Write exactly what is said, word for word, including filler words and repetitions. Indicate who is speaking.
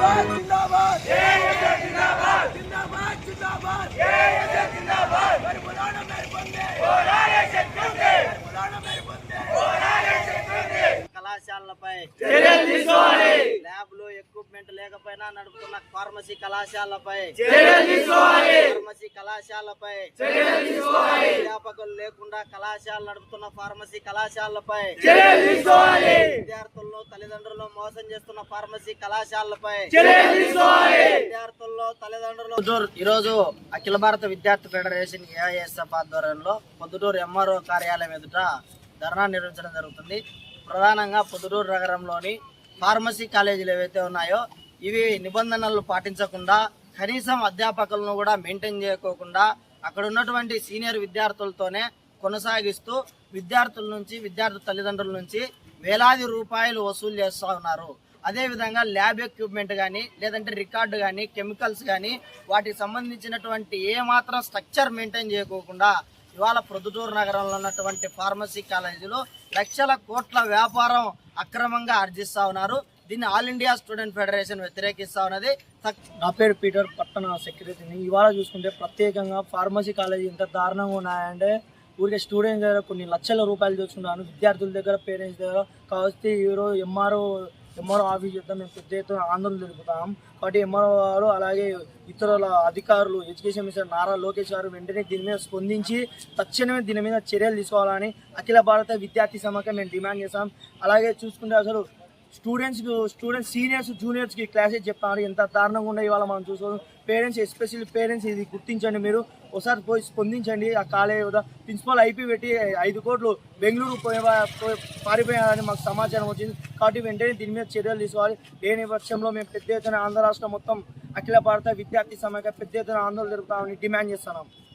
Speaker 1: जिंदाबाद जिंदाबाद जिंदाबाद जिंदाबाद जिंदाबाद जिंदाबाद मेरे बुलाना मेरे बंदे होरारे शक्ति बुलाना मेरे बंदे होरारे शक्ति కళాశాలపై చర్యలు తీసుకోవాలి ల్యాబ్లో ఎక్విప్మెంట్ లేకపోయినా నడుపుతున్న ఫార్మసీ కళాశాలపై చర్యలు తీసుకోవాలి ఫార్మసీ కళాశాలపై చర్యలు తీసుకోవాలి అధ్యాపకులు లేకుండా కళాశాల నడుపుతున్న ఫార్మసీ కళాశాలపై చర్యలు తీసుకోవాలి విద్యార్థులను తల్లిదండ్రులను మోసం చేస్తున్న ఫార్మసీ కళాశాలపై చర్యలు తీసుకోవాలి విద్యార్థుల్లో తల్లిదండ్రులు ఈ రోజు అఖిల భారత విద్యార్థి ఫెడరేషన్ ఏఐఎస్ఎఫ్ ఆధ్వర్యంలో పొద్దుటూరు ఎంఆర్ఓ కార్యాలయం ఎదుట ధర్నా నిర్వహించడం జరుగుతుంది. ప్రధానంగా పొద్దుటూరు నగరంలోని ఫార్మసీ కాలేజీలు ఏవైతే ఉన్నాయో ఇవి నిబంధనలు పాటించకుండా కనీసం అధ్యాపకులను కూడా మెయింటైన్ చేయకోకుండా అక్కడ ఉన్నటువంటి సీనియర్ విద్యార్థులతోనే కొనసాగిస్తూ విద్యార్థుల నుంచి విద్యార్థి తల్లిదండ్రుల నుంచి వేలాది రూపాయలు వసూలు చేస్తూ ఉన్నారు. అదేవిధంగా ల్యాబ్ ఎక్విప్మెంట్ కానీ లేదంటే రికార్డు కానీ కెమికల్స్ కానీ వాటికి సంబంధించినటువంటి ఏ మాత్రం స్ట్రక్చర్ మెయింటైన్ చేయకోకుండా ఇవాళ ప్రొద్దుటూరు నగరంలో ఉన్నటువంటి ఫార్మసీ కాలేజీలో లక్షల కోట్ల వ్యాపారం అక్రమంగా ఆర్జిస్తా ఉన్నారు. దీన్ని ఆల్ ఇండియా స్టూడెంట్ ఫెడరేషన్ వ్యతిరేకిస్తా ఉన్నది.
Speaker 2: నా పేరు పీటర్, పట్టణ సెక్రటరీని. ఇవాళ చూసుకుంటే ప్రత్యేకంగా ఫార్మసీ కాలేజీ ఇంత దారుణంగా ఉన్నాయంటే ఊరికే స్టూడెంట్స్ దగ్గర కొన్ని లక్షల రూపాయలు చూసుకున్నాను, విద్యార్థుల దగ్గర పేరెంట్స్ దగ్గర. కాబట్టి ఈరోజు ఎంఆర్ఓ ఎంఆర్ఓ ఆఫీస్ చేద్దాం మేము పెద్ద ఎత్తున ఆందోళన తెలుపుతాం. కాబట్టి ఎంఆర్ఓ గారు అలాగే ఇతరుల అధికారులు ఎడ్యుకేషన్ మినిస్టర్ నారా లోకేష్ గారు వెంటనే దీని మీద స్పందించి తక్షణమే దీని మీద చర్యలు తీసుకోవాలని అఖిల భారత విద్యార్థి సమాఖ్య మేము డిమాండ్ చేస్తాం. అలాగే చూసుకుంటే అసలు స్టూడెంట్స్ స్టూడెంట్స్ సీనియర్స్ జూనియర్స్కి క్లాసెస్ చెప్తారు, ఎంత దారుణంగా ఉండే ఇవాళ మనం చూసుకోవాలి. పేరెంట్స్ ఎస్పెషల్లీ పేరెంట్స్ ఇది గుర్తించండి, మీరు ఒకసారి పోయి స్పందించండి. ఆ కాలేజ్ ప్రిన్సిపల్ ఐపీ పెట్టి ఐదు కోట్లు బెంగళూరు పోయి పారిపోయారని మాకు సమాచారం వచ్చింది. కాబట్టి వెంటనే దీని మీద చర్యలు తీసుకోవాలి. లేని పక్షంలో మేము పెద్ద ఎత్తున ఆంధ్ర రాష్ట్రం మొత్తం అఖిల భారత విద్యార్థి సమాఖ్య పెద్ద ఎత్తున ఆందోళన జరుపుతామని డిమాండ్ చేస్తున్నాం.